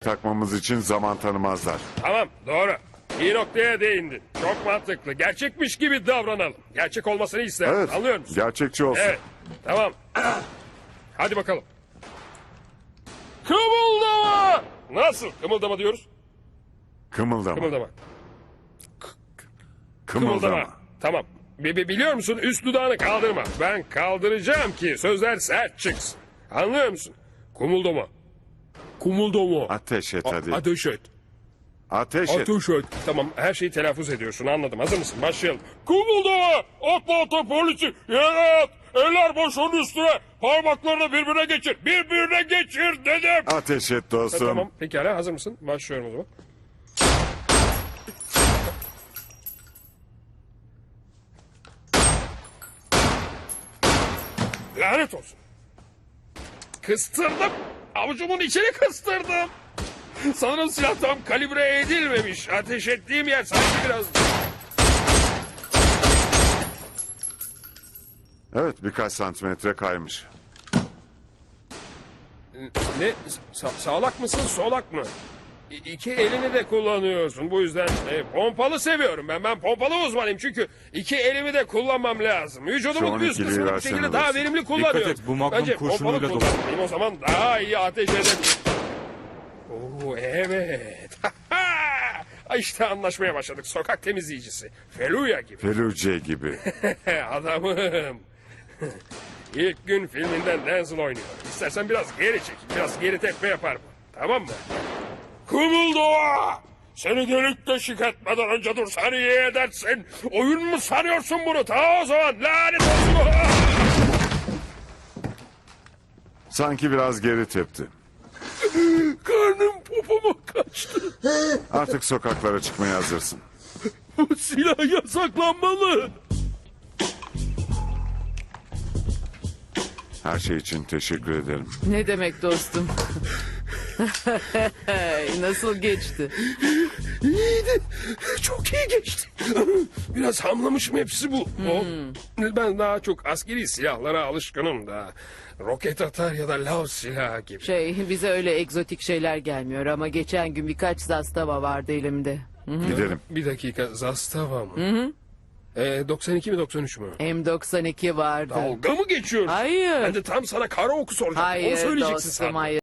takmamız için zaman tanımazlar. Tamam, doğru. İyi noktaya değindin. Çok mantıklı. Gerçekmiş gibi davranalım. Gerçek olmasını isterim. Evet, Anlıyor musun? gerçekçi olsun. Evet, tamam. Hadi bakalım. Kımıldama! Nasıl? Kımıldama diyoruz. Kımıldama. Kımıldama. Kımıldama. Tamam. Biliyor musun? Üst dudağını kaldırma. Ben kaldıracağım ki sözler sert çıksın. Anlıyor musun? Kumuldama. Kumuldama. Ateş et hadi. Ateş et. Ateş et. Ateş et. Tamam, her şeyi telaffuz ediyorsun, anladım. Hazır mısın? Başlayalım. Kumuldama! Atla atla polisi! Yere at! Eller başının üstüne! Parmaklarını birbirine geçir! Birbirine geçir dedim! Ateş et dostum. Tamam, pekala, hazır mısın? Başlıyorum o zaman. Lanet olsun. Kıstırdım. Avucumun içini kıstırdım. Sanırım silah tam kalibre edilmemiş. Ateş ettiğim yer sanki biraz... Evet, birkaç santimetre kaymış. Ne? Sağlak mısın, solak mı? İki elini de kullanıyorsun. Bu yüzden pompalı seviyorum ben. Ben pompalı uzmanıyım çünkü iki elimi de kullanmam lazım. Vücudumun Şu üst 12'liyi kısmını bu versene şekilde daha dostum. verimli kullanıyorum. Dikkat et, bu Magnum Bence kurşunuyla pompalı dolu. kullanmalıyım, o zaman daha iyi ateş ederim. Oo, evet. İşte anlaşmaya başladık. Sokak temizleyicisi. Feluya gibi. Feluce gibi. Adamım. İlk gün filminden Denzel oynuyor. İstersen biraz geri çek. Biraz geri tepme yapar mı? Tamam mı? Kımıldoğa! Seni delik deşik etmeden önce dursan iyi edersin. Oyun mu sanıyorsun bunu? Ta o zaman lanet olsun. Sanki biraz geri tepti. Karnım popoma kaçtı. Artık sokaklara çıkmaya hazırsın. Bu silah yasaklanmalı. Her şey için teşekkür ederim. Ne demek dostum? Nasıl geçti? İyiydi. Çok iyi geçti. Biraz hamlamışım, hepsi bu. Ben daha çok askeri silahlara alışkınım da. Roket atar ya da lav silahı gibi. Bize öyle egzotik şeyler gelmiyor ama geçen gün birkaç zastava vardı elimde. Gidelim. Bir dakika, Zastava mı? 92 mi 93 mü? M92 vardı. Dalga mı geçiyorsun? Hayır. Ben de tam sana karaoku soracaktım. Onu Hayır söyleyeceksin dostum sandım. hayır.